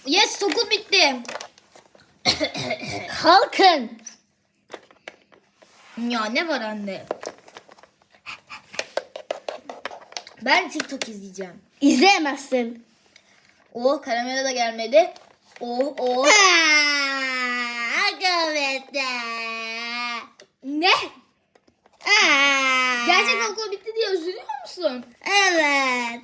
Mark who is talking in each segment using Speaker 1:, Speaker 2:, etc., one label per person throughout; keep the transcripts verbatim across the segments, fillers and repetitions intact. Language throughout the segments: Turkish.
Speaker 1: Yes, okul bitti.
Speaker 2: Kalkın.
Speaker 1: Ya ne var anne? Ben TikTok izleyeceğim.
Speaker 2: İzleyemezsin.
Speaker 1: Oh, karamela da gelmedi. Oh oh. Ne? Gerçekten okul bitti diye üzülüyor musun?
Speaker 2: Evet.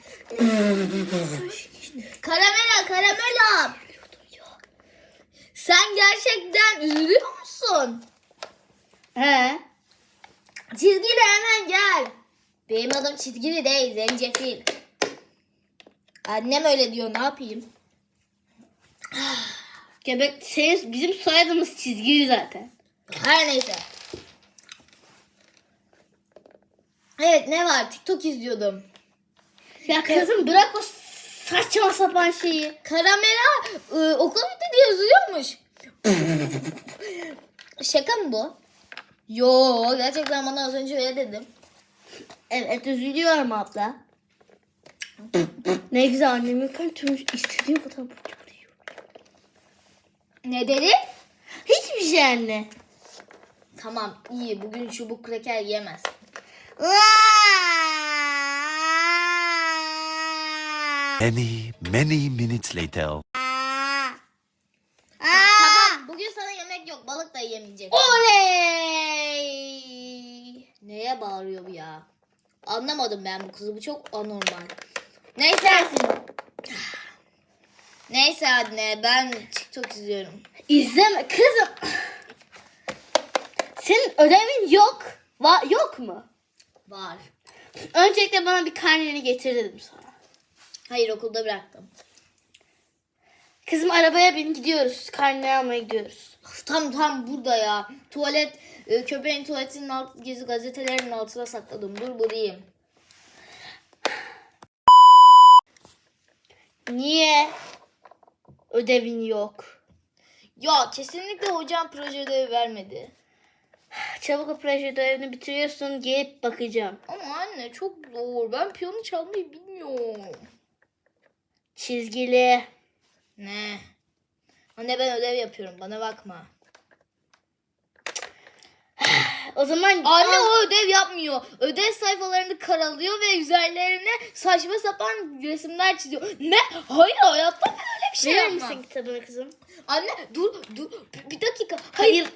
Speaker 1: Karamela, karamela. Sen gerçekten üzülüyor musun?
Speaker 2: He.
Speaker 1: Çizgili hemen gel. Benim adım çizgili değil, zencefil. Annem öyle diyor, ne yapayım?
Speaker 2: Göbek senin, bizim soyadımız çizgili zaten.
Speaker 1: Her neyse. Evet, ne var? TikTok izliyordum.
Speaker 2: Ya kızım bırak o saçma sapan şeyi.
Speaker 1: Karamela ıı, okul bitti diye üzülüyormuş. Şaka mı bu? Yo, gerçekten bana az önce öyle dedim.
Speaker 2: Evet üzülüyorum abla. Ne güzel annemin kalbimi istediğim kadar bıçaklıyor.
Speaker 1: Ne dedi?
Speaker 2: Hiçbir şey anne.
Speaker 1: Tamam, iyi. Bugün çubuk kraker yemez.
Speaker 3: Many, many minutes later.
Speaker 1: Tamam, bugün sana yemek yok. Balık da yemeyecek.
Speaker 2: Oley!
Speaker 1: Neye bağırıyor bu ya? Anlamadım ben bu kızı. Bu çok anormal. Neyse. Neyse anne, ben TikTok izliyorum.
Speaker 2: İzleme kızım. Senin ödevin yok. Va yok mu?
Speaker 1: Var.
Speaker 2: Öncelikle bana bir karneni getir dedim sana.
Speaker 1: Hayır, okulda bıraktım.
Speaker 2: Kızım arabaya bin gidiyoruz. Karneni almaya gidiyoruz.
Speaker 1: Tam tam burada ya. Tuvalet, e, köpeğin tuvaletinin alt, gezi gazetelerinin altına sakladım. Dur bulayım.
Speaker 2: Niye? Ödevin yok.
Speaker 1: Ya kesinlikle hocam proje ödevi vermedi.
Speaker 2: Çabuk o proje ödevini bitiriyorsun. Gelip bakacağım.
Speaker 1: Ama anne çok zor. Ben piyano çalmayı bilmiyorum.
Speaker 2: Çizgili.
Speaker 1: Ne? Anne ben ödev yapıyorum. Bana bakma.
Speaker 2: O zaman
Speaker 1: Anne o ödev yapmıyor. Ödev sayfalarını karalıyor ve üzerlerine saçma sapan resimler çiziyor. Ne? Hayır, hayatta ben öyle bir şey
Speaker 2: verir
Speaker 1: yapmam.
Speaker 2: misin kitabını kızım?
Speaker 1: Anne dur dur bir dakika. Hayır.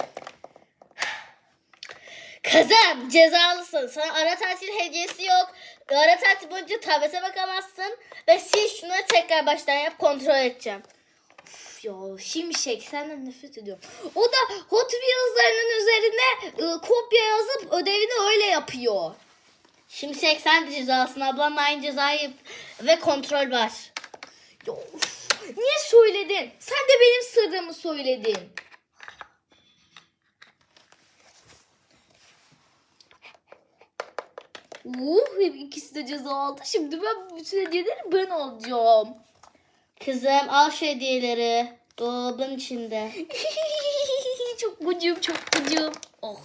Speaker 2: Kızım cezalısın. Sana ara tatil hediyesi yok. Ara tatil boyunca tablete bakamazsın. Ve sil şunları tekrar baştan yap, kontrol edeceğim.
Speaker 1: Üf ya şimşek, senden nefret ediyorum. O da Hot Wheels'larının üzerine ı, kopya yazıp ödevini öyle yapıyor.
Speaker 2: Şimşek sen de cezalısın. Ablanla aynı cezayı ve kontrol var.
Speaker 1: Ya, uf, niye söyledin? Sen de benim sırrımı söyledin. Uh, ikisi de ceza aldı. Şimdi ben bütün hediyeleri ben alacağım.
Speaker 2: Kızım al şu hediyeleri. Dolabın içinde.
Speaker 1: Çok gıcığım, çok gıcığım. Oh.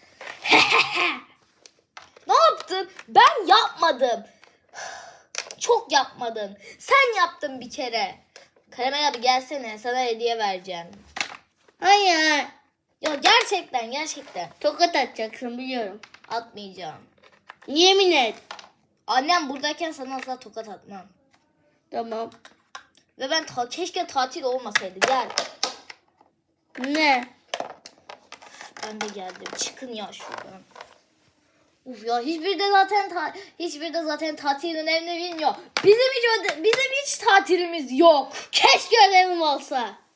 Speaker 1: Ne yaptın? Ben yapmadım. Çok yapmadın. Sen yaptın bir kere. Karamel abi gelsene, sana hediye vereceğim.
Speaker 2: Hayır.
Speaker 1: Ya gerçekten gerçekten
Speaker 2: Tokat atacaksın biliyorum.
Speaker 1: atmayacağım.
Speaker 2: Yemin et.
Speaker 1: Annem buradayken sana asla tokat atmam.
Speaker 2: Tamam.
Speaker 1: Ve ben ta keşke tatil olmasaydı. Gel.
Speaker 2: Ne?
Speaker 1: Ben de geldim. Çıkın ya şuradan. Uf ya hiçbir de zaten ta hiçbir de zaten tatilin önemini bilmiyor. Bizim hiç öde bizim hiç tatilimiz yok.
Speaker 2: Keşke ödevim olsa.